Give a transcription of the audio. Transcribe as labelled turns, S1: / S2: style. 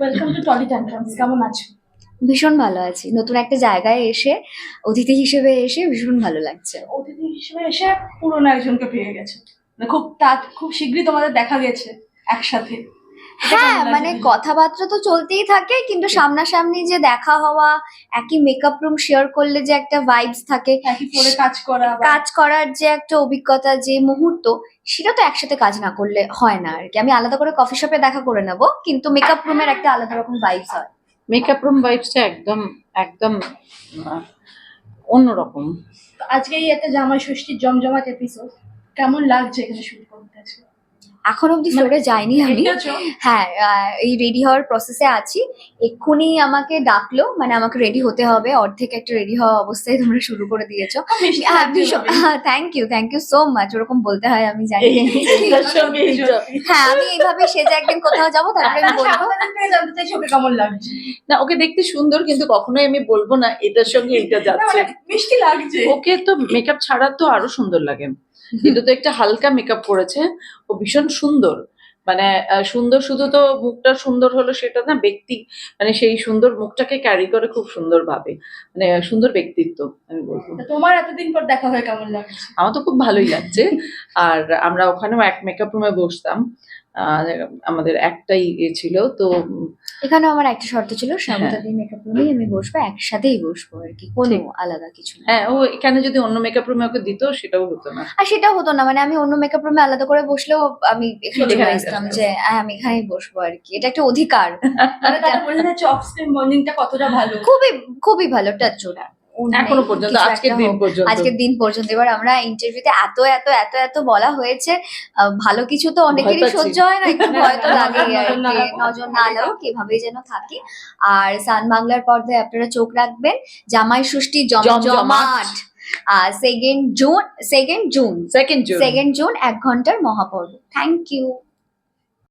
S1: Welcome to trolley tantrums. কেমন আছো?
S2: ভীষণ ভালো আছি। নতুন একটা জায়গায় এসে অতিথি হিসেবে এসে ভীষণ ভালো লাগছে।
S1: অতিথি হিসেবে এসে পুরনো একজনকে পেয়ে গেছে, মানে খুব শীঘ্রই তোমাদের দেখা গেছে একসাথে। এটা
S2: হ্যাঁ,
S1: কেমন লাগছে
S2: মানে
S1: বিষয়টা?
S2: কথাবার্তা তো চলতেই থাকে, কিন্তু সামনাসামনি যে দেখা হওয়া, একই মেকআপ রুম শেয়ার করলে যে একটা ভাইবস থাকে,
S1: একই ফ্লোরে কাজ করা বা
S2: কাজ করার যে একটা অভিজ্ঞতা, যে মুহূর্ত, সেটা তো একসাথে কাজ না করলে হয় না আর কি। আমি আলাদা করে কফি শপে দেখা করে নেব, কিন্তু মেকআপ রুমের একটা আলাদা রকম ভাইবস হয়।
S3: মেকআপ রুম ভাইবসটা একদম একদম আহ, অন্যরকম।
S1: আজকে এই একটা জামাই ষষ্ঠীর জমজমাট এপিসোড, কেমন লাগছে এখানে শুট করতে আছে?
S2: এখন অব্দি
S1: মানে
S2: ফ্লোরে যাইনি আমি।
S1: দেখেছো?
S2: হ্যাঁ, এই রেডি হওয়ার প্রসেসে আছি। এক্ষুনি আমাকে ডাকলো, মানে আমাকে রেডি হতে হবে। অর্ধেক একটা রেডি হওয়া অবস্থায় তোমরা শুরু করে দিয়েছো।
S1: খুব মিষ্টি
S2: হ্যাঁ,
S1: লাগছে
S2: ভীষণ।
S1: এভাবে।
S2: হ্যাঁ, থ্যাংক ইউ সো মাচ। ওরকম বলতে হয় আমি জানি।
S3: এইটার সঙ্গে এইটা
S2: হ্যাঁ, আমি এইভাবে সেজে একদিন কোথাও যাবো, তারপরে আমি বলবো।
S1: আমাদের থেকে জানতে চাইছি ওকে কেমন লাগছে।
S3: না, ওকে দেখতে সুন্দর, কিন্তু কখনোই আমি বলবো না এটার সঙ্গে এইটা
S1: না,
S3: যাচ্ছে।
S1: মানে মিষ্টি লাগছে।
S3: ওকে তো মেকআপ ছাড়া তো আরো সুন্দর লাগে, কিন্তু তো একটা হালকা মেকআপ করেছে। ও ভীষণ সুন্দর, মানে সুন্দর শুধু তো মুখটা সুন্দর হলো সেটা না, ব্যক্তি মানে সেই সুন্দর মুখটাকে ক্যারি করে খুব সুন্দর ভাবে, মানে সুন্দর ব্যক্তিত্ব আমি বলবো।
S1: তা তোমার এতদিন পর দেখা হয়ে কেমন লাগছে?
S3: আমার তো খুব ভালোই লাগছে। আর আমরা ওখানেও এক মেকআপ রুমে বসতাম, আর আমাদের একটাই ছিল তো।
S2: এখানে আমার একটা শর্ত ছিল,
S3: হ্যাঁ,
S2: স্বাগতাদি মেকআপ রুমেই আমি বসবো, একসাথেই বসবো আর কি, কোনো
S3: ঠিক।
S2: আলাদা কিছু না।
S3: হ্যাঁ, ও এখানে যদি অন্য মেকআপ রুমে ওকে দিত সেটাও হতো না।
S2: আর সেটা হতো না, মানে আমি অন্য মেকআপ রুমে আলাদা করে বসলেও আমি এখানে চলে
S3: এখানেই
S2: আসতাম,
S3: চলে
S2: যে হ্যাঁ, আমি এখানেই বসবো আর কি। এটা একটা অধিকার।
S1: মানে তারা বোঝা যাচ্ছে অফ স্ক্রিন বন্ডিংটা কতটা ভালো।
S2: খুবই খুবই ভালো, টাচ ওটা
S3: এখনো পর্যন্ত, আজকের দিন পর্যন্ত।
S2: আজকের দিন পর্যন্ত। এবার আমরা ইন্টারভিউতে এত এত এত এত বলা হয়েছে, ভালো কিছু তো অনেকেরই
S3: পাচ্ছি।
S2: সহ্য হয় না, একটু ভয় তো লাগেই আর
S1: নজর না
S2: কি।
S1: লাগুক।
S2: নজর না লাগুক, এভাবেই যেন থাকি। আর সান বাংলার পর্দায় আপনারা চোখ রাখবেন। জামাই ষষ্ঠী
S3: জমজমাট।
S2: জমজমাট। 2nd June, 2nd June,
S3: 2nd June.
S2: 2nd June 1 ঘন্টার মহাপর্ব। Thank you.